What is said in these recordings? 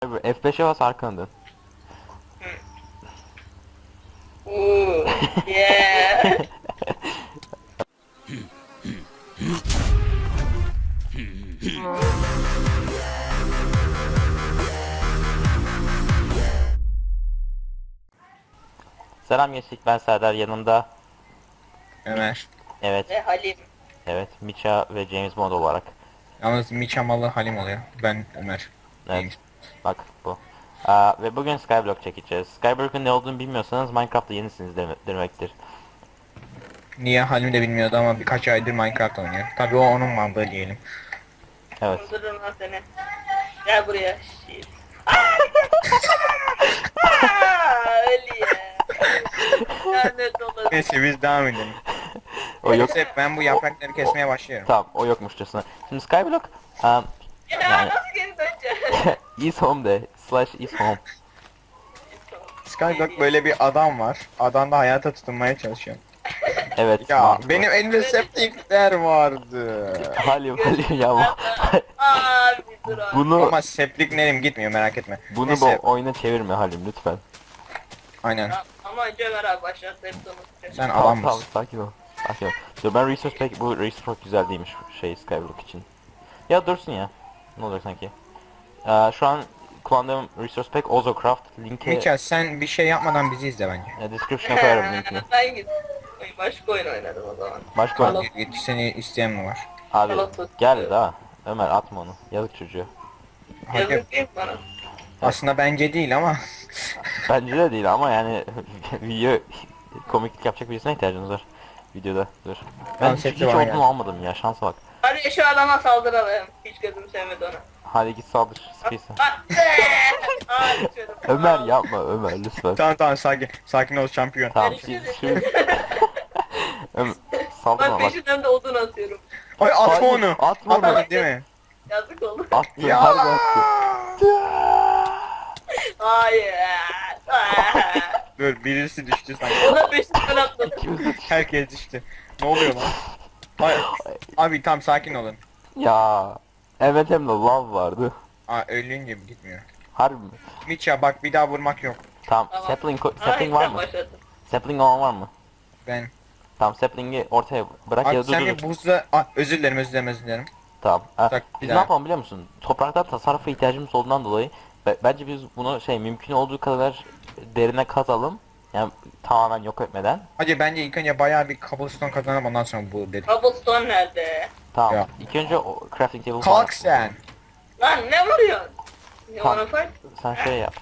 F5'e bas arkanı dön. Ooh, yeah. Selam gençlik, ben Serdar, yanımda Ömer. evet Ve Halim. Miça ve James Bond olarak. Yalnız Miçamalı Halim oluyor. Ben Ömer. Evet, bak bu. Ve bugün Skyblock çekeceğiz. Skyblock'un ne olduğunu bilmiyorsanız Minecraft'ta yenisiniz demektir. Niye Halim de bilmiyordu ama birkaç aydır Minecraft oynuyor. Tabii o onun mantığı diyelim. Evet. Öldürürüm lan seni. Gel buraya. Shit. Öyle ya. Lanet olası. Neyse biz devam edelim. O yok. Neyse ben bu yaprakları kesmeye başlıyorum. Tamam, o yokmuşçasına. Şimdi Skyblock Ya Yani- nasıl geri döneceğim? is home de /is home. Skyblock böyle bir adam var. Adam da hayata tutunmaya çalışıyor. Evet. Ya mantıklı. benim elimde septikler vardı. Halim ya Abi dur abi. bunu Ama septik nerim gitmiyor merak etme. bunu Neyse, bu oyuna çevirme Halim lütfen. aynen. Ama önce Ömer abi başlarsa hep unutacağım. Sen Tamam, adam tamam, mısın? sakin ol. Sakin ol. Dur ben resource pack, bu resource pack güzel değilmiş Skyblock için. Ya dursun ya. Ne olacak sanki? Şu an kullandığım resource pack Ozocraft. Linki Miçel sen bir şey yapmadan bizi izle bence. description'a koyarım linkini. Ben git. Ay, başka oyun oynadım o zaman. Başka Tamam. Git seni isteyen mi var? abi Tamam. gel daha. Ömer atma onu. Yazık çocuğa. Hadi. Yazık değil mi bana? Aslında bence değil ama. Bence de değil ama yani video komiklik yapacak birisine ihtiyacınız var videoda. Dur. Ben Tamam, hiç hepsi bana olduğunu geldi. almadım ya, şansa bak. Hadi şu adama saldıralım. Hiç gözüm sevmedi onu. Hadi git saldır sıkıysa. Aa, düşüyorum. Ömer Aa, yapma Ömer lütfen. Tamam sakin. Sakin ol şampiyon. Tamam Görüşürüz. şimdi Ömer saldırma Ben bak. peşinden de odun atıyorum. Ay atma Hayır, onu. atma onu. Atmadın değil mi? Yazık oldu. Attı Ya. harbi attı. Hayır. Dur birisi düştü sanki. Ona peşinden atladım. İkimiz de düştük. Herkes düştü. Ne oluyor lan? Ay, abi tam sakin olun. Ya evet, hem de love vardı. Aa ölünce gitmiyor. Harbi mi? Miça bak bir daha vurmak yok. Tamam, Tamam. sapling var mı? Başladım. Sapling olan var mı? Ben. Tamam, sapling'i ortaya bırak Abi ya da sen dur bir dur. buzla... özür dilerim. Tamam. Bak, bir Biz daha. ne yapalım biliyor musun? Topraktan tasarrufa ihtiyacımız olduğundan dolayı bence biz bunu mümkün olduğu kadar derine kazalım. Yani tamamen yok etmeden. Hadi bence ilk önce bayağı bir cobblestone kazanıp ondan sonra bu dedik. Cobblestone nerede? Tamam. Ya. İlk önce o crafting table falan Kalk sen. Lan ne vuruyorsun? You Tamam. wanna fight? Sen şey yap.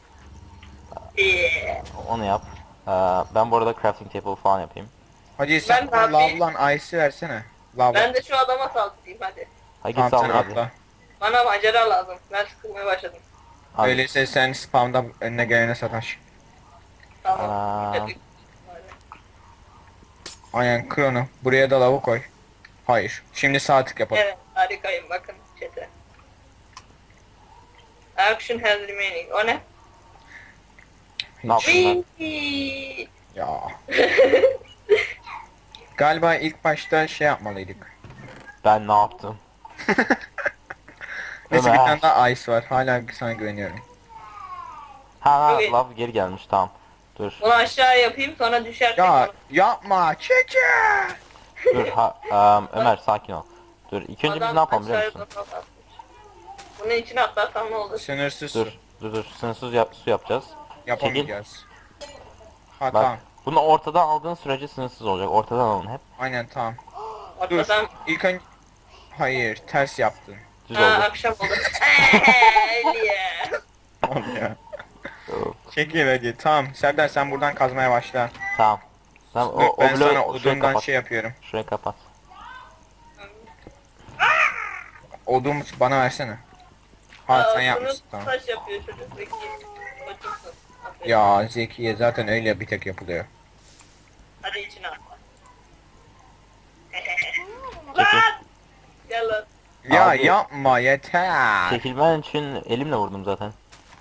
Yeah. Onu yap. Ben bu arada crafting table falan yapayım. Hadi sen Ben abi- lavlan ice'i versene. Lavlan. Ben de şu adama saldırayım hadi. Hadi Tamam git sen saldır hadi. atla. Bana macera lazım. Ben sıkılmaya başladım. Hadi. Öyleyse sen spamda önüne gelene sataş. Tamam. Aa. Hadi. Aynen kır onu. Buraya da lavı koy. Hayır. Şimdi sağ tık yapalım. Evet harikayım bakın chat'e. Action has remaining. O ne? Ne yapayım ben? Whee! Ya. Galiba ilk başta şey yapmalıydık. Ben ne yaptım? Neyse bir Ömer. tane daha ice var. Hala sana güveniyorum. Ha Okey. love geri gelmiş, tamam. Dur. Bunu aşağı yapayım sonra düşerken. Ya yapma. Çeke. Dur Ömer sakin ol. Dur ilk önce biz ne yapalım biliyor musun? Bunun içine atlarsam ne olur? Sınırsız Dur su. dur sınırsız su yapacağız. Yapamayacağız. Ha Bak tamam. bunu ortadan aldığın sürece sınırsız olacak. Ortadan alın hep. Aynen tamam. Dur. Atlasam. İlk önce... Hayır ters yaptın. Düz Ha oldu. akşam oldu. Yeah. Tamam ya. Çekil hadi. Tamam. Serdar sen buradan kazmaya başla. Tamam. Tamam Dur, ben sana şurayı odundan kapat. şey yapıyorum. Şurayı kapat. Odun bana versene. Ha sen Aa, yapmışsın bunu tamam. taş yapıyor çocuk zeki. Çocuksun. Aferin. Ya Zekiye zaten öyle bir tek yapılıyor. Hadi içine atla. Çekil. Lan! Gel lan. Ya Abi- yapma yeter. Çekilmen için elimle vurdum zaten.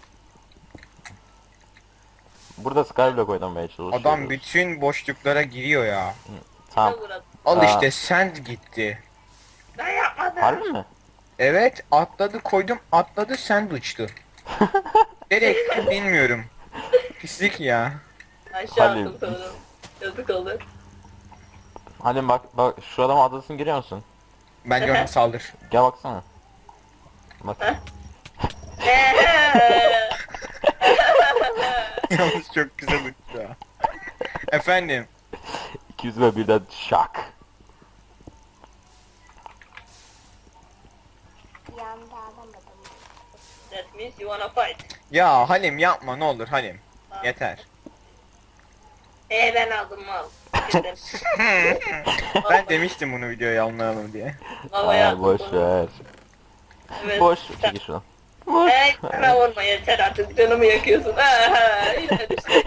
Burada Skyblock oynamaya çalışıyoruz. Adam bütün boşluklara giriyor ya. Tamam. Gel buraya. Al Aa. işte sen gitti. Ben yapmadım. Harbi mi? Evet atladı koydum atladı sen uçtu. Direkt bilmiyorum. Pislik ya. Aşağı Halim. attım sanırım. Yazık oldu. Halim bak şu adamın adresini görüyor musun? Ben gördüm saldır. Gel baksana. Bak. Yalnız çok güzel uçtu ya. Efendim. 200 ve birden şak. Yanda alamadım. That means you wanna fight. Ya Halim yapma ne olur Halim. Yeter. Ben aldım mal. Gittim. Ben demiştim bunu videoya almayalım diye. Havaya Ay boş attım. ver. Evet. Boş çekil şuradan. Boş. Hey bana vurma yeter artık canımı yakıyorsun. Yine düştü.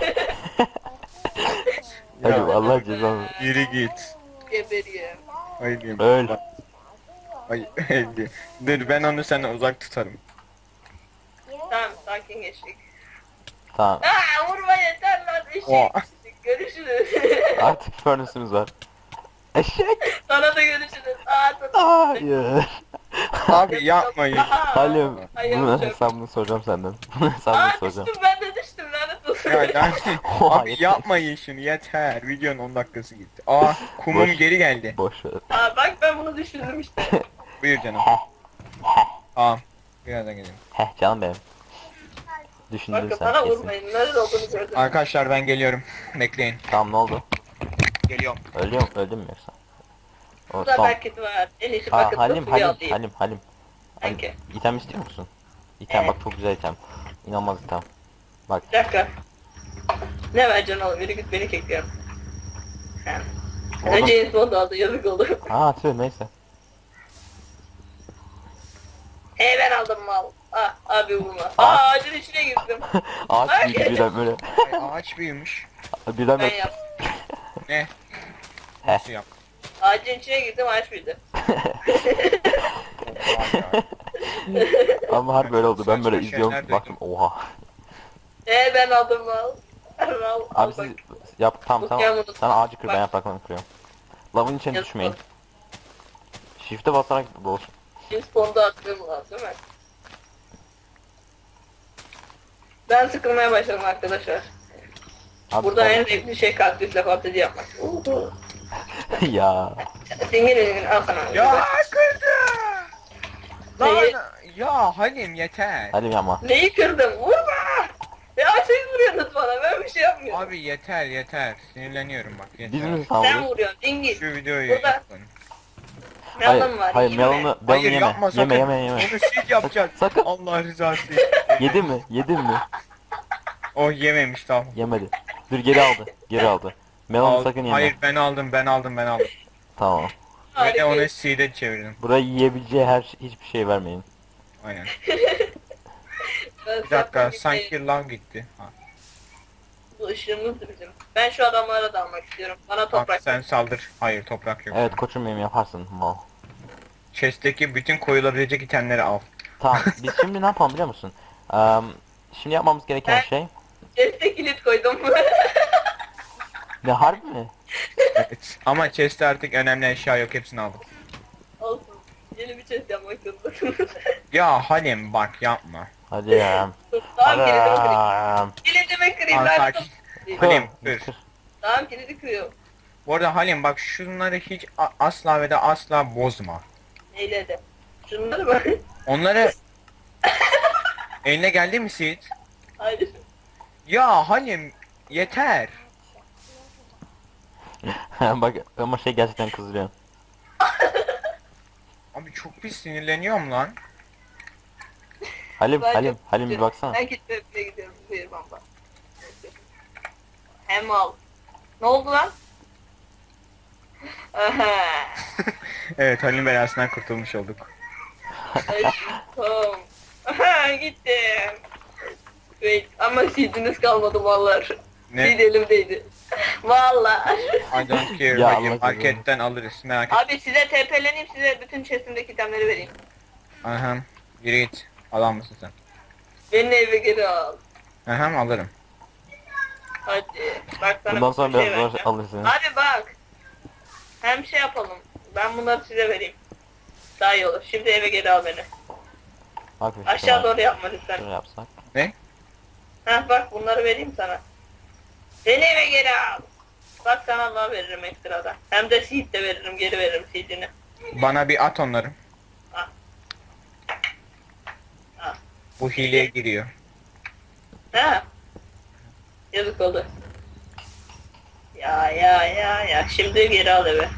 Halim Allah cezanı. Yürü git. Geberiyorum. Halim. Öl. Ay öldü. Dur ben onu senden uzak tutarım. Tamam sakin geçtik. Tamam. Vurma yeter lan Oha. eşek. Görüşürüz. Artık furnace'ımız var. Eşek. Sana da görüşürüz. Hayır. Abi yapmayın. Halim Hayır, bunun yok. hesabını soracağım senden. Bunun hesabını soracağım. Düştüm ben de düştüm lanet olsun. Ya yani, Oha, abi yeter. yapmayın şunu yeter. Videonun 10 dakikası gitti. Aa kumum Boş. geri geldi. Boş ver. Bak ben bunu düşündüm işte. Buyur canım. Heh. Tamam. Birazdan geleyim. Heh canım benim. Düşündün Bakın sen bana kesin. vurmayın. Nerede olduğunu gördüm. Arkadaşlar ben geliyorum. Bekleyin. Tamam ne oldu? Geliyorum. Öldün mü yoksa? O Burada son. paket var. En iyisi Ha, paket Halim suyu Halim alayım. Halim Halim. Hangi? İtem istiyor musun? İtem Evet. bak çok güzel item. İnanılmaz item. Bak Bir dakika. Ne vereceksin oğlum? Yürü git beni kekliyor. Sen. Oğlum. Önce James Bond aldı yazık oldu. tüh neyse. Hey ben aldım mal. Abi vurma. Ağaç. Ağacın içine girdim. Ağaç büyüdü birden böyle. Ay, ağaç büyümüş. Birden Ben böyle. yaptım. Ne? Heh. Nasıl yap? Ağacın içine girdim ağaç büyüdü. Ama harbi böyle oldu. Ben Saçma böyle izliyorum şeyler baktım oha. Hey ben aldım mal. Al, Abi al bak. siz yap tam Okuyamadım. sen ağacı kır ben Bak. yapraklarını kırıyorum. Lavın içine Yazık düşmeyin. oldu. Shift'e basarak boş. James Bond'u attığım lazım değil mi? Ben sıkılmaya başladım arkadaşlar. Abi, Burada sen- en zevkli şey kaktüsle fantezi yapmak. ya. Dingin al sana. Ya kırdı. Neyi? Lan ya Halim yeter. Halim yapma. Neyi kırdım? Vurma! Ya siz vuruyorsunuz bana ben bir şey yapmıyorum. Abi yeter yeter. Sinirleniyorum bak yeter. Biz mi Sen saldırıyoruz? vuruyorsun dingin. Şu videoyu Burada- yapın. Melon var. Hayır yeme. melonu Hayır yeme. yapma sakın. Yeme. Onu siz yapacaksınız. Sakın. Allah rızası için. Yedi mi? Yedin mi? O yememiş tamam. Yemedi. Dur geri aldı. Geri aldı. Melonu Al- sakın yeme. Hayır ben aldım. Tamam. Ve de Harika. onu C'de çevirdim. Burayı yiyebileceği hiçbir şey vermeyin. Aynen. Ben Bir dakika zaten sanki lav gitti. Ha. Bu ışığımızdı bizim. Ben şu adamlara da almak istiyorum. Bana Bak toprak. sen saldır. Hayır toprak yok. Evet koçum benim yaparsın mal. Chest'teki bütün koyulabilecek itemleri al. Tamam biz şimdi ne yapalım biliyor musun? Şimdi yapmamız gereken Ben- şey. Chest'e kilit koydum. Ne harbi mi? Evet. Ama chest'te artık önemli eşya yok hepsini aldım. Olsun. Yeni bir chest yapmak zorundasınız. Ya Halim bak yapma. Hadi ya. Tamam kilidimi kırayım. Adam. Kilidimi kırayım. Tamam, lanet sakin. olsun. Halim dur. Tamam kilidi kırıyorum. Bu arada Halim bak şunları hiç asla ve de asla bozma. Neyle de. Şunları mı? Onları eline geldi mi Sid? Hayır. Ya Halim yeter. Bak ama şey gerçekten kızdırıyor. Abi çok bir sinirleniyorum lan. Halim, Ben Halim, çok Halim bir istiyorum. baksana. Ben kilitlemeye gidiyorum. Buyur baba. Hem al. Ne oldu lan? Aha. Evet Halim belasından kurtulmuş olduk. Aşkım. Aha gittim. Wait ama seediniz kalmadı mallar. Ne? Seed elimdeydi. Valla. I don't care. Ya Halim Allah marketten alırız merak etme. Abi size TP'leneyim size bütün chest'imdeki itemleri vereyim. Aha. Yürü git. Alan mısın sen? Beni eve geri al. Aha alırım. Hadi. Bak sana Bundan bir sonra şey biraz zor vereceğim. alırsın. Hadi bak. Hem şey yapalım. Ben bunları size vereyim. Daha iyi olur. Şimdi eve geri al beni. Bak Aşağı doğru yapma lütfen. Şöyle yapsak. Ne? Heh bak bunları vereyim sana. Beni eve geri al. Bak sana daha veririm ekstradan. Hem de seed de veririm, geri veririm seedini. Bana bir at onları. Al. Al. Bu hileye giriyor. Ha? Yazık oldu. Ya. Şimdi geri al eve.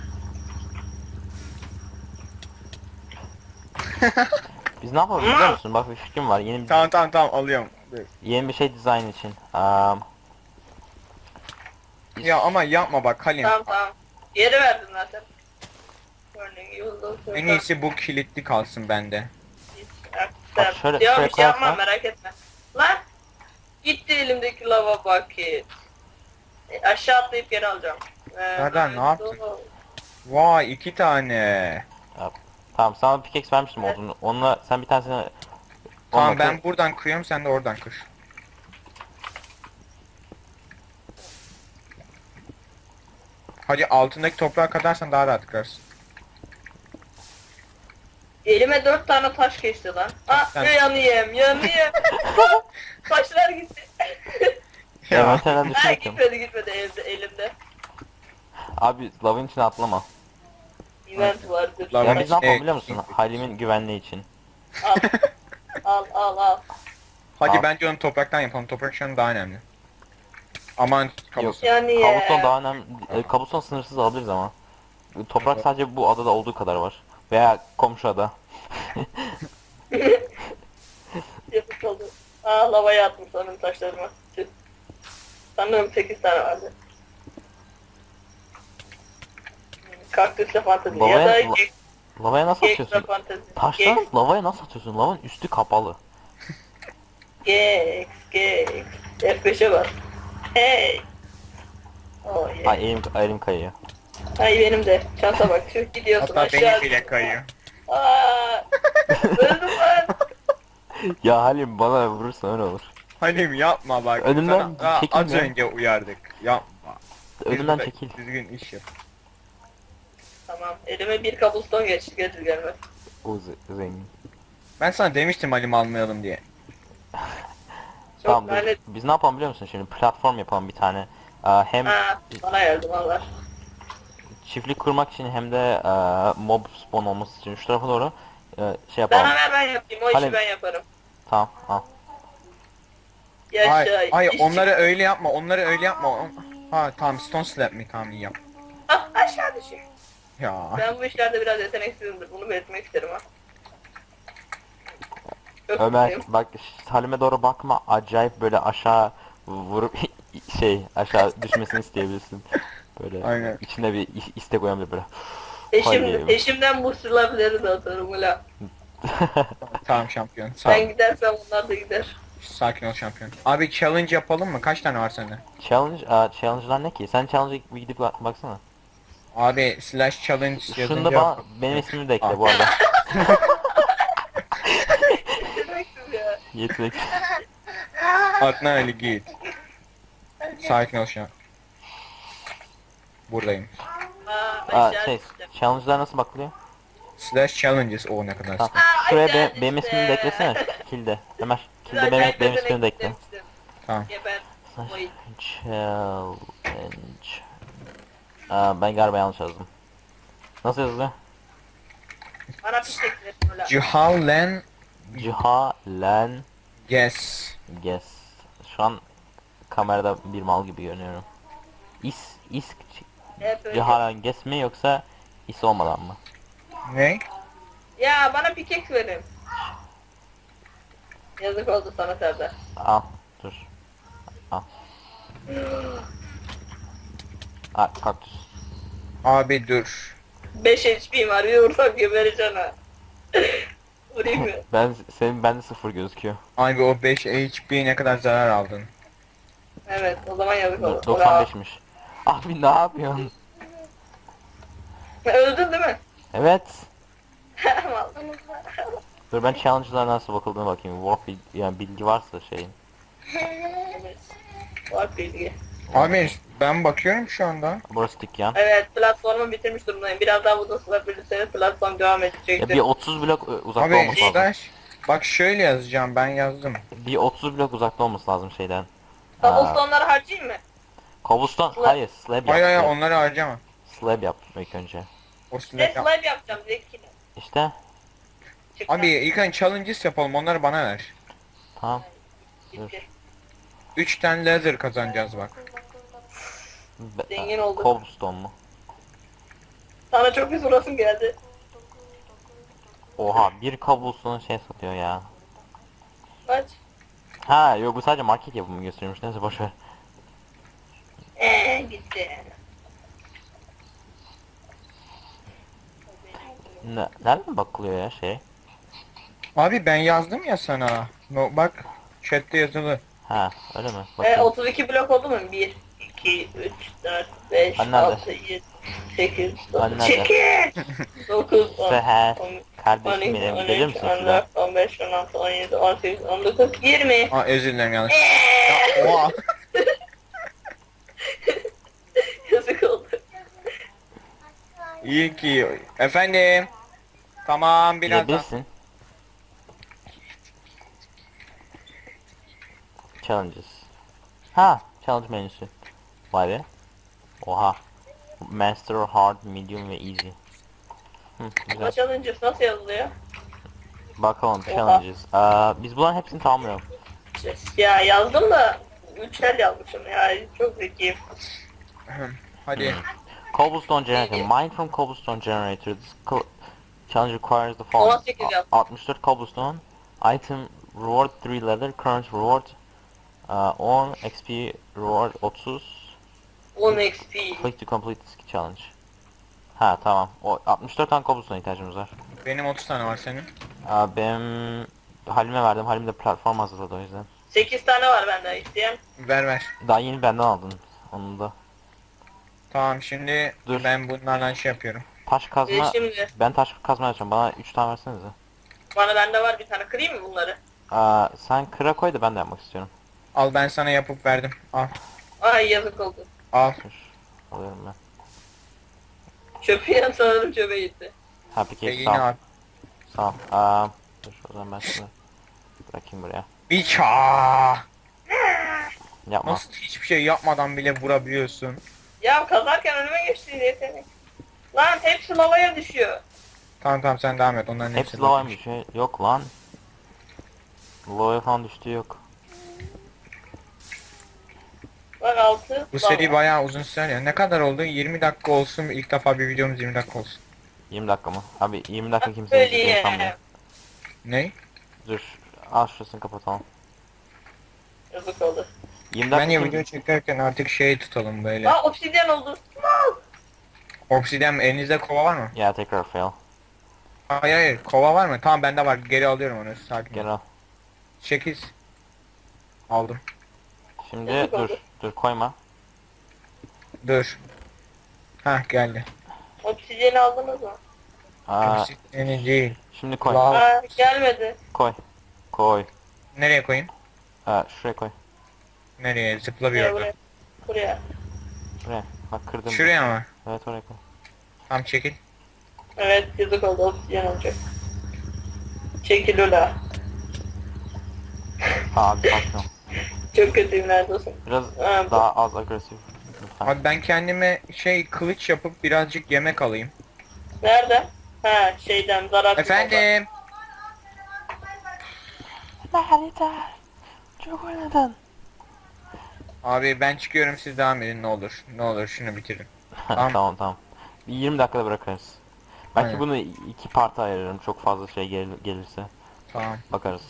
Biz ne yapalım biliyor musun? Bak bir fikrim var. Tamam alıyorum. Yeni bir şey dizayn için. Ya ama yapma bak Halim. Tamam. Geri verdim zaten. Örneğin yolda En iyisi bu kilitli kalsın bende. Bak şöyle- Ya şöyle bir şey yapmam koyarsan- merak etme. Lan! Gitti elimdeki lava bucket. Aşağı atlayıp geri alacağım. Nereden, ne yaptın? Vay 2 tane. Tamam sana bir pickaxe vermiştim olduğunu. Onunla sen bir tanesini... Tamam onunla ben kır. buradan kırıyorum sen de oradan kır. Hadi altındaki toprağa kadarsan daha rahat kırarsın. Elime 4 tane taş geçti lan. Ah Sen- yanayım. Taşlar gitti. Envanterden Ha düşürüyorum. gitmedi elimde. Abi lavın içine atlama. Event vardır. Lava- Ya biz ne yapalım şey- biliyor musun? Halim'in güvenliği için. Al. Hadi Al. bence onu topraktan yapalım. Toprak şu an daha önemli. Aman kabus. Yani Kabuston daha önemli. Kabuston sınırsız alabiliriz ama. Toprak sadece bu adada olduğu kadar var. Veya komşu ada. Yapık oldu. Lavaya attım sanırım taşlarıma. Tüh. Sanırım 8 tane vardı. Kaktüsle fantezi. Ya da Lavaya, lavaya nasıl ekstra atıyorsun? fantezi. Taştan lavaya nasıl atıyorsun? Lavanın üstü kapalı. Gex. F5'e bas. Hey. Oh yeah. Ay elim kayıyor. Ay benim de. Şansa bak. Şu gidiyorsun Hatta aşağı. benim bile kayıyor. Aa, öldüm lan. Ya Halim bana vurursan öyle olur. Halim yapma bak. Önümden Sana daha çekin az ya. önce uyardık. Yapma. Önümden Düzgün- çekil. Düzgün iş yap. Tamam. Elime bir kabuston geçti. Gelir gelmez. O zengin. Ben sana demiştim Halim almayalım diye. Çok Tamam lanet. biz ne yapalım biliyor musun şimdi? Platform yapalım bir tane. Hem Bana yardım Allah. çiftlik kurmak için hem de mob spawn olması için şu tarafa doğru şey yapalım. Bana ver ben yapayım. O işi Halim. ben yaparım. Tamam al. Yaşa. Ay iş onları çıktı. öyle yapma. Onları öyle yapma. Ha tamam stone slab mi? Tamam iyi yap. Ah aşağı düşüyor. Ya. Ben bu işlerde biraz yeteneksizimdir. Bunu belirtmek isterim ha. Çok Ömer mutluyum. bak Halim'e doğru bakma. Acayip böyle aşağı vurup aşağı düşmesini isteyebilirsin. Böyle Aynen. içinde bir istek uyanabilir böyle. Haydi. Eşimden bu sırlarları da atarım ula. Tamam şampiyon. Sağ Ben ol. gidersem onlar da gider. Sakin ol şampiyon. Abi challenge yapalım mı? Kaç tane var sende? Challenge'lar ne ki? Sen challenge'a bir gidip baksana. Abi slash challenge yazınca... Şunda bana benim ismimi de ekle bu arada. Yeteneksiz ya. Yetenek. Adnan Ali git. Sakin ol şu an. Buradayım. Aşağı Şey, düştüm. challenge'lar nasıl bakılıyor? Slash challenges o ne kadar. Tamam. Aa, Şuraya aşağı benim düştüm. ismimi de eklesene. Kilde. Ömer. Kilde Acayip benim ismimi de ekle. yeteneksizim. Tamam. Geber. Vay. Challenge. Ben galiba yanlış yazdım. Nasıl yazılıyor? Bana bir tek verin ula. Cihalen Cihalen guess. Guess. Şu an kamerada bir mal gibi görünüyorum. İs Hep öyle. Cihalen Guess mi yoksa is olmadan mı? Ne? Ya bana pickaxe verin. Yazık oldu sana Serdar. Al dur. Al kaktüs. Abi dur. 5 HP'm var. Bir vursam gebereceğim ha. Vurayım mı? Bende sıfır gözüküyor. Abi o 5 HP ne kadar zarar aldın. Evet o zaman yazık oldu. 95'miş. Abi ne yapıyorsun? Öldün değil mi? Evet. Mal. Dur ben challenge'lara nasıl bakıldığına bakayım. Warp yani bilgi varsa şeyin. Evet. Var bilgi. Abi ben bakıyorum şu anda. Burası dükkan. Evet platformu bitirmiş durumdayım. Biraz daha uzun sürebilirseniz platform devam Ya edecektir. bir 30 blok uzakta Abi olması lazım. slash Bak şöyle yazacağım, ben yazdım. Bir 30 blok uzakta olması lazım şeyden. Cobblestone'ları harcayayım mı? Cobblestone. Slab. Hayır, slab yap. Hayır hayır, Slab. onları harcama. Slab yap ilk önce. O Ne slab yap. slime yapacağım zekine. İşte. Çıktı. Abi ilk önce challenges yapalım, onları bana ver. Tamam. Gitti. 3 tane laser kazanacağız bak. Zengin olduk. Cobblestone mu? Sana çok bir sorasım geldi. Oha, bir cobblestone şey satıyor ya. Kaç? Ha yok, bu sadece market yapımı gösteriyormuş. Neyse boşver. Gitti. Nereden bakılıyor ya şey? Abi ben yazdım ya sana. No, bak chatte yazılı. Ha öyle mi? Bakayım. 32 blok oldu mu? 1, 2, 3, 4, 5, Hani nerede? 6, 7, 8, Hani 9, nerede? 9, 10, Seher. 12, Kardeşim benim, gelir misin şuraya? 14, 15, 16, 17, 18, 19, 20. Aa özür dilerim yanlış. Ya, oha. Yazık oldu. İyi ki. Efendim. Tamam birazdan. Gidebilirsin. Challenges. Ha, challenge menüsü. Vay be. Oha. Master, hard, medium ve easy. Güzel. Challenges nasıl yazılıyor? Bakalım Oha. challenges. Biz bunların hepsini tamamlayalım. Ya yazdım da 3'er yazmışım ya. Çok zekiyim. Hadi. Cobblestone generator. Mine from cobblestone generator. Challenge requires the following. 18 yaz. 64 cobblestone. Item reward 3 leather. Current reward 10. XP reward 30. 10 XP. Click to complete this challenge. Ha tamam. O 64 tane cobblestone ihtiyacımız var. Benim 30 tane var senin. Benim Halim'e verdim. Halim de platform hazırladı o yüzden. 8 tane var bende isteyen. Ver ver. Daha yeni benden aldın. Onu da. Tamam şimdi Dur. ben bunlardan şey yapıyorum. Taş kazma. Şimdi Ben taş kazma yapacağım. Bana 3 tane versenize. bende var bir tane, kırayım mı bunları? Sen kıra koy da ben de yapmak istiyorum. Al ben sana yapıp verdim. Al. Ay yazık oldu. Al. Dur. Alıyorum ben. Çöpü yan sanırım çöpe gitti. Ha peki Yine sağ ol. al. Sağ ol. Dur o zaman ben şunu bırakayım buraya. Bir ça. Yapma. Nasıl hiçbir şey yapmadan bile vurabiliyorsun? Ya kazarken önüme geçti yetenek. Lan hepsi lavaya düşüyor. Tamam sen devam et. Onların Hepsi hepsi lavaymış. Şey yok lan. Lavaya falan düştü yok. Bak 6 Bu seri bayağı uzun sürer ya. Ne kadar oldu? 20 dakika olsun. İlk defa bir videomuz 20 dakika olsun. 20 dakika mı? Abi 20 dakika kimse Böyle izleyeceğini sanmıyor. Ne? Dur. Al şurasını kapatalım. yazık oldu. 20 dakika Bence kim- video çekerken artık şey tutalım böyle. Aa obsidyen oldu. Obsidian elinizde kova var mı? Ya tekrar fail. Hayır hayır kova var mı? Tamam bende var. Geri alıyorum onu. Sakin Gel ol. al. 8. Aldım. Şimdi Yazık dur. oldu. Dur koyma. Dur. Hah geldi. Obsidyeni aldınız mı? Obsidian'i değil. Şimdi koy. Lav. Aa gelmedi. Koy. Koy. Nereye koyayım? Şuraya koy. Nereye? Zıpla bir Buraya yere. buraya. Buraya. Buraya. Bak kırdım. Şuraya mı? Evet oraya koy. Tam çekil. Evet yazık oldu, obsidyen olacak. Çekil ula. Abi sakin ol. Çok kötüyüm neredesin? Biraz Ha, daha az agresif. Lütfen. Abi ben kendime şey kılıç yapıp birazcık yemek alayım. Nerede? Ha şeyden zarar. Efendim. Harita. Çok oynadın. Abi ben çıkıyorum siz devam edin ne olur. Ne olur şunu bitirin. Tamam. Tamam tamam. Bir 20 dakikada bırakırız. Belki Aynen. bunu iki parta ayırırım çok fazla şey gelirse. Tamam. Bakarız.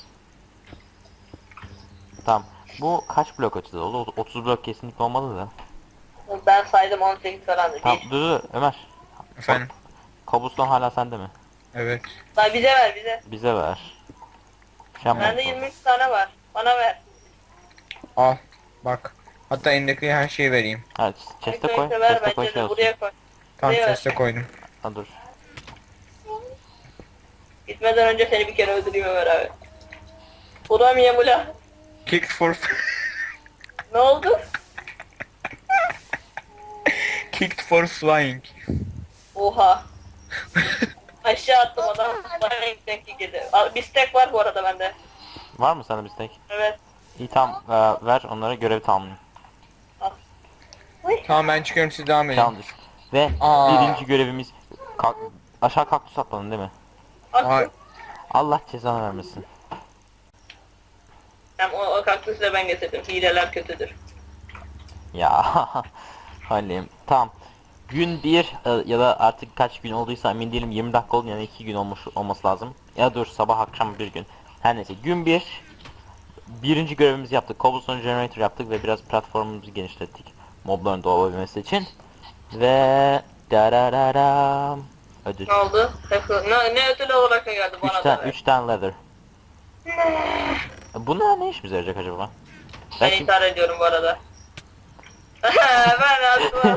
Tamam. Bu kaç blok açıda oldu? 30 blok kesinlikle olmalı da. Ben saydım 18 falan Tamam değil. dur Ömer. Efendim. Kabuston hala sende mi? Evet. Lan bize ver bize. Bize ver. Şey yapma. Bende 23 tane var. Bana ver. Al. Bak. Hatta elindeki her şeyi vereyim. Evet, chest'e koy. Ver Chest'e koy bence şey de olsun. buraya koy. Tam Buraya ver. chest'e koydum. Ha dur. Gitmeden önce seni bir kere öldüreyim Ömer abi. Ulan Yamula. Kick for Ne oldu? Kicked for flying. Oha. Aşağı attım adam. Bana denk geldi. Bir stack var bu arada bende. Var mı sana bir tek? Evet. İyi tamam ver onlara görevi tamamlayın. Tamam ben çıkıyorum, siz devam edin. Challenges. Ve Aa. birinci görevimiz aşağı kaktüs atmadın değil mi? Ay. Attım. Allah cezanı vermesin. Hem o kaktüsü de ben getirdim. Hileler kötüdür. Ya Halim tamam. Gün 1 ya da artık kaç gün olduysa emin değilim, 20 dakika oldu yani 2 gün olması lazım. Ya dur sabah akşam bir gün. Her neyse gün 1 birinci görevimizi yaptık. Cobblestone Generator yaptık ve biraz platformumuzu genişlettik. Mobların doğabilmesi için. Ve darararam ödül. Ne oldu? Ne ödül olarak ne geldi bana da? 3 tane leather. Bunlar ne işimize yarayacak acaba? Ben Belki intihar ediyorum bu arada. Ben attım.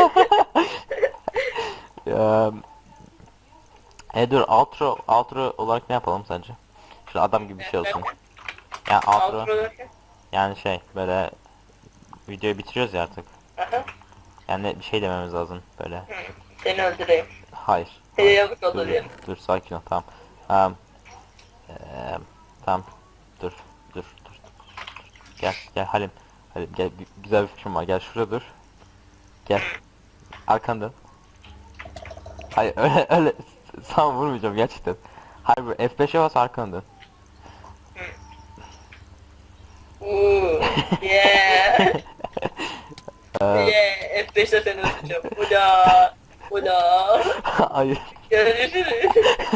dur outro olarak ne yapalım sence? Şöyle adam gibi bir şey olsun. Yani outro yani şey böyle videoyu bitiriyoruz ya artık. Aha. Yani bir şey dememiz lazım böyle. Seni öldüreyim. Hayır. Yazık Dur, olur ya. dur sakin ol tamam. Tamam. Dur. Gel Halim. Halim gel güzel bir fikrim var. Gel şuraya dur. Gel. Arkandan. Hayır öyle sana vurmayacağım gerçekten. Hayır bu F5'e bas arkandan. Yeah. Yeah. F5'te seni öldüreceğim. Ula. Ula. Hayır. Görüşürüz.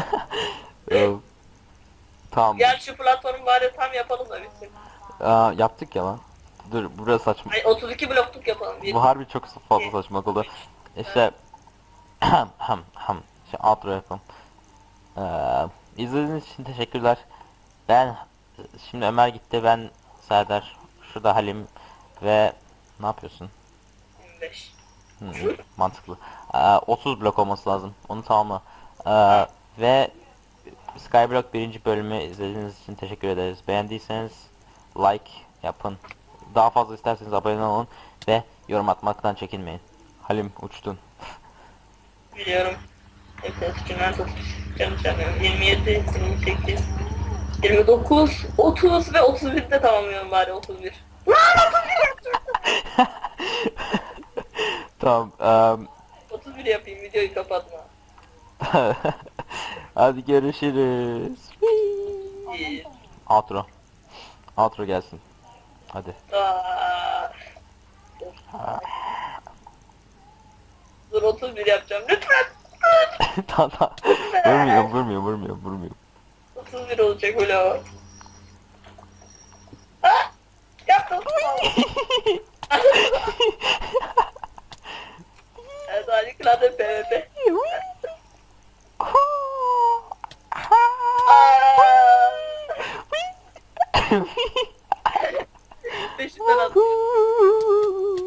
Tamam. Gel şu platformu bari tam yapalım da bitsin. Yaptık ya lan. Dur burası saçma. Ay 32 blokluk yapalım. Bu harbi çok fazla saçmalık oldu. İşte işte outro yapalım. İzlediğiniz için teşekkürler. Ben şimdi Ömer gitti, ben Serdar, şurada Halim ve ne yapıyorsun? 25. Mantıklı. 30 blok olması lazım. Onu tamamla. Ve Skyblock birinci bölümü izlediğiniz için teşekkür ederiz. Beğendiyseniz like yapın. Daha fazla isterseniz abone olun ve yorum atmaktan çekinmeyin. Halim uçtun. Biliyorum. Hepsini sıçınlar tutacağım. 27, 28, 29, 30 ve 31'de tamamlıyorum bari 31. Lan Tamam. 31 yapayım videoyu kapatma. Hadi görüşürüz. Bir. Outro. Outro gelsin. Hadi. Dur 31 yapacağım lütfen. Tamam. Vurmuyor. 31 olacak öyle o. Ah! Yaptım. Evet harika PvP. Peşinden at.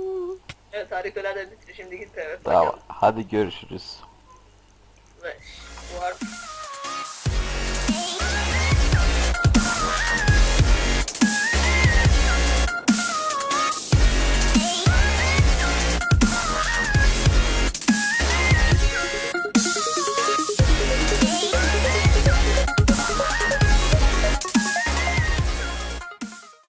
Evet harikalar da bitir şimdi git PvP. Tamam. Hadi görüşürüz. Beş.